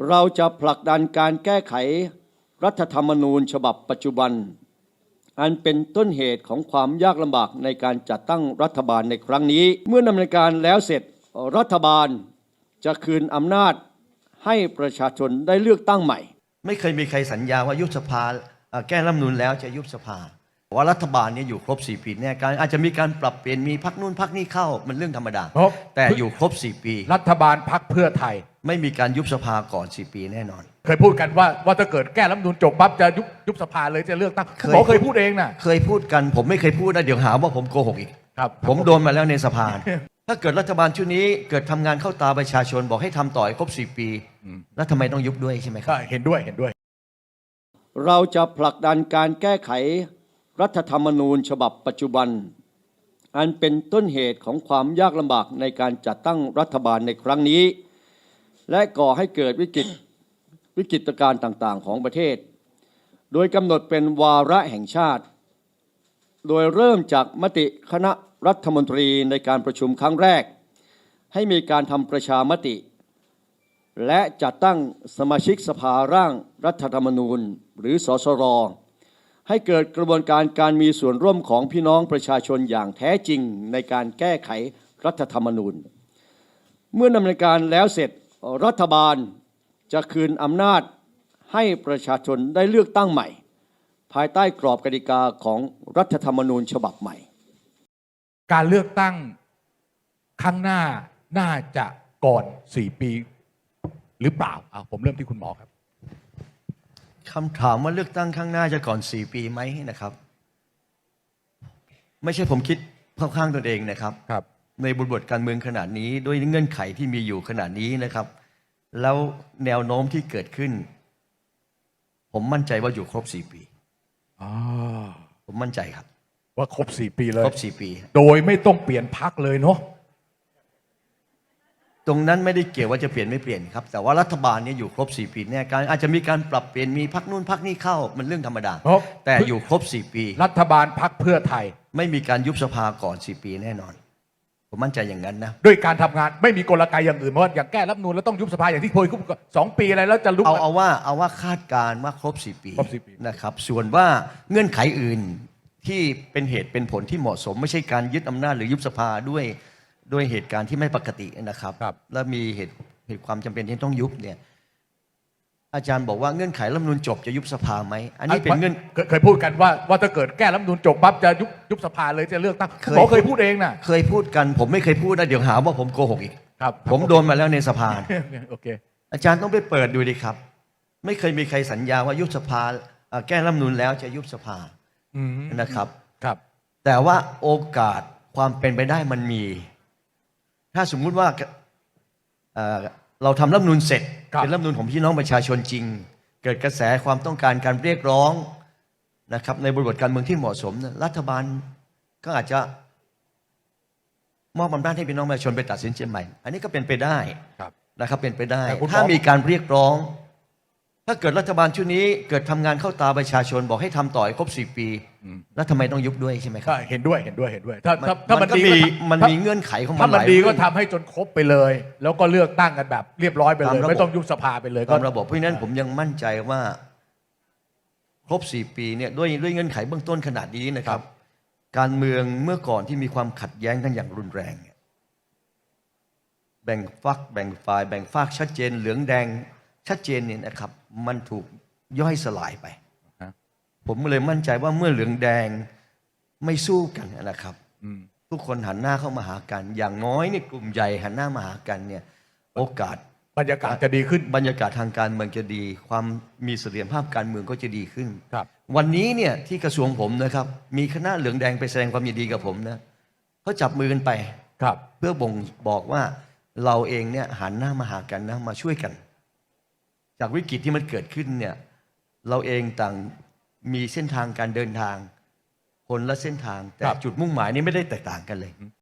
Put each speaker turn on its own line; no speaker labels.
เราจะผลักดันการแก้ไขรัฐธรรมนูญฉบับปัจจุบันอันเป็นต้นเหตุของความยากลำบากในการจัดตั้งรัฐบาลในครั้งนี้เมื่อดำเนินการแล้วเสร็จรัฐบาลจะคืนอำนาจให้ประชาชนได้เลือกตั้งใหม่
ไม่เคยมีใครสัญญาว่ายุบสภาแก้รัฐธรรมนูญแล้วจะยุบสภาว่ารัฐบาลนี้อยู่ครบ4 ปีแน่การอาจจะมีการปรับเปลี่ยนมีพรรคนู่นพรรคนี้เข้ามันเรื่องธรรมดาแต่อยู่ครบ4 ปี
รัฐบาลพรรคเพื่อไทย
ไม่มีการยุบสภาก่อน4 ปีแน่นอน
เคยพูดกันว่าถ้าเกิดแก้รัฐธรรมนูญจบปั๊บจะยุบสภาเลยจะเลือกตั้งเคยพูดเองนะ
เคยพูดกันผมไม่เคยพูดนะเดี๋ยวหาว่าผมโกหกอีก
ครับ
ผมโดนมาแล้วในสภาถ้าเกิดรัฐบาลชุดนี้เกิดทำงานเข้าตาประชาชนบอกให้ทำต่อให้ครบ4 ปีแล้วทำไมต้องยุบด้วยใช่ไหมครับ
เห็นด้วย
เราจะผลักดันการแก้ไขรัฐธรรมนูญฉบับปัจจุบันอันเป็นต้นเหตุของความยากลำบากในการจัดตั้งรัฐบาลในครั้งนี้และก่อให้เกิดวิกฤตการณ์ต่างๆของประเทศโดยกำหนดเป็นวาระแห่งชาติโดยเริ่มจากมติคณะรัฐมนตรีในการประชุมครั้งแรกให้มีการทำประชามติและจัดตั้งสมาชิกสภาร่างรัฐธรรมนูญหรือสสรให้เกิดกระบวนการมีส่วนร่วมของพี่น้องประชาชนอย่างแท้จริงในการแก้ไขรัฐธรรมนูญเมื่อดำเนินการแล้วเสร็จรัฐบาลจะคืนอำนาจให้ประชาชนได้เลือกตั้งใหม่ภายใต้กรอบกติกาของรัฐธรรมนูญฉบับใหม่
การเลือกตั้งครั้งหน้าน่าจะก่อน4 ปีหรือเปล่าผมเริ่มที่คุณหมอครับ
คำถามว่าเลือกตั้งข้างหน้าจะก่อน4 ปีไหมนะครับไม่ใช่ผมคิดเข้าข้างตนเองนะครับในบริบทการเมืองขนาดนี้ด้วยเงื่อนไขที่มีอยู่ขนาดนี้นะครับแล้วแนวโน้มที่เกิดขึ้นผมมั่นใจว่าอยู่ครบ4 ปีผมมั่นใจครับ
ว่าครบ4 ปีเลย
ครบ4 ปี
โดยไม่ต้องเปลี่ยนพรรคเลยเนาะ
ตรงนั้นไม่ได้เกี่ยวว่าจะเปลี่ยนไม่เปลี่ยนครับแต่ว่ารัฐบาลนี้อยู่ครบ4 ปีแน่การอาจจะมีการปรับเปลี่ยนมีพรรคนู่นพรรคนี้เข้ามันเรื่องธรรมดาแต่อยู่ครบ4 ปี
รัฐบาลพรรคเพื่อไทย
ไม่มีการยุบสภาก่อน4 ปีแน่นอนผมมั่นใจอย่างนั้นนะ
ด้วยการทำงานไม่มีกลไกอย่างอื่นเพราะอย่างแก้รัฐธรรมนูญแล้วต้องยุบสภาอย่างที่เคยคุย2 ปีอะไรแล้วจะลุก
เอาว่าคาดการณ์ว่าครบ4 ปีนะครับส่วนว่าเงื่อนไขอื่นที่เป็นเหตุเป็นผลที่เหมาะสมไม่ใช่การยึดอำนาจหรือยุบสภาด้วยเหตุการณ์ที่ไม่ปกตินะครับและมีเหตุความจำเป็นที่ต้องยุบเนี่ยอาจารย์บอกว่าเงื่อนไขรัฐธรรมนูญจบจะยุบสภาไหมอันนี้เป็นเงื่อน
เคยพูดกันว่าถ้าเกิดแก้รัฐธรรมนูญจบปั๊บจะยุบสภาเลยจะเลือกตั้งเคยพูดเองนะ
เคยพูดกันผมไม่เคยพูดนะเดี๋ยวหาว่าผมโกหกอีกผมโดนมาแล้วในสภา
โอเค
อาจารย์ต้องไปเปิดดูดิครับไม่เคยมีใครสัญญาว่ายุบสภาแก้รัฐธรรมนูญแล้วจะยุบสภานะครับแต่ว่าโอกาสความเป็นไปได้มันมีถ้าสมมุติว่าเราทำรัฐธรรมนูญเสร็จเป็นรัฐธรรมนูญของพี่น้องประชาชนจริงเกิดกระแสความต้องการการเรียกร้องนะครับในบริบทการเมืองที่เหมาะสมรัฐบาลก็อาจจะมอบอำนาจให้พี่น้องประชาชนไปตัดสินใจใหม่อันนี้ก็เป็นไปได้นะครับเป็นไปได้ถ้ามีการเรียกร้องถ้าเกิดรัฐบาลชุดนี้เกิดทำงานเข้าตาประชาชนบอกให้ทำต่อให้ครบ4 ปีแล้วทำไมต้องยุบด้วยใช่ไหมครับ
เห็นด้วยถ้ามันดี
มันมีเงื่อนไขของมัน
ถ้ามันดีก็ทำให้จนครบไปเลยแล้วก็เลือกตั้งกันแบบเรียบร้อยไปเลยไม่ต้องยุบสภาไปเลย
ตามระบบเพราะฉะนั้นผมยังมั่นใจว่าครบ4 ปีเนี่ยด้วยเงื่อนไขเบื้องต้นขนาดนี้นะครับการเมืองเมื่อก่อนที่มีความขัดแย้งกันอย่างรุนแรงแบ่งฝักแบ่งฝ่ายแบ่งฝากชัดเจนเหลืองแดงชัดเจนเนี่ยนะครับมันถูกย่อยสลายไปผมเลยมั่นใจว่าเมื่อเหลืองแดงไม่สู้กันนะครับทุกคนหันหน้าเข้ามาหากันอย่างน้อยเนี่ยกลุ่มใหญ่หันหน้ามาหากันเนี่ยโอกาส
บรรยากาศจะดีขึ้น
บรรยากาศทางการเมืองจะดีความมีเสถียรภาพการเมืองก็จะดีขึ้นวันนี้เนี่ยที่กระทรวงผมนะครับมีคณะเหลืองแดงไปแสดงความยินดีกับผมนะเขาจับมือกันไปเพื่อบ่งบอกว่าเราเองเนี่ยหันหน้ามาหากันนะมาช่วยกันจากวิกฤตที่มันเกิดขึ้นเนี่ยเราเองต่างมีเส้นทางการเดินทางคนละเส้นทางแต่จุดมุ่งหมายนี้ไม่ได้แตกต่างกันเลย